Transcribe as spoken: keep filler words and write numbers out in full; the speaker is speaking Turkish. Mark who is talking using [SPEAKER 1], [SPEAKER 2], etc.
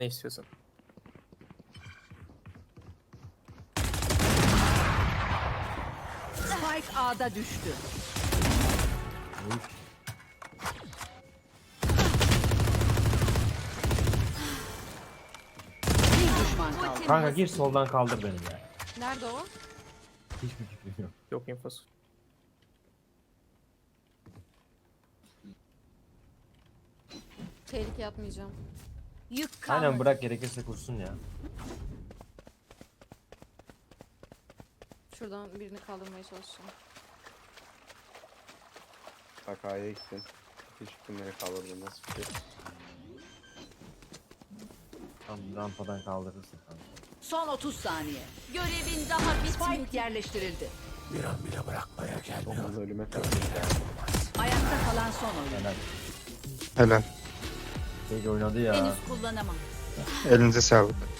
[SPEAKER 1] Ne istiyorsun?
[SPEAKER 2] Spike A'da düştü. Bir düşman kaldı.
[SPEAKER 3] Kanka gir soldan kaldır beni ya.
[SPEAKER 4] Nerede o?
[SPEAKER 3] Hiçbir fikrim yok.
[SPEAKER 1] Yok infosu.
[SPEAKER 4] Tehlike yapmayacağım.
[SPEAKER 2] Yük kalmadı.
[SPEAKER 3] Aynen bırak, gerekirse kursun ya.
[SPEAKER 4] Şuradan birini kaldırmaya çalışacağım.
[SPEAKER 5] Bak A'ya gittin. Hiç kimleri kaldırdın, nasıl bir şey?
[SPEAKER 3] Tam rampadan kaldırırsın kanka.
[SPEAKER 2] Son otuz saniye.
[SPEAKER 6] Görevin daha bitmedi.
[SPEAKER 2] Spike yerleştirildi.
[SPEAKER 5] Dokuz ölüme kadar.
[SPEAKER 2] Ayakta kalan son oyun.
[SPEAKER 3] Helal.
[SPEAKER 7] Helal.
[SPEAKER 3] Sage oynadı ya.
[SPEAKER 6] Henüz kullanamam.
[SPEAKER 7] Elinize sağlık.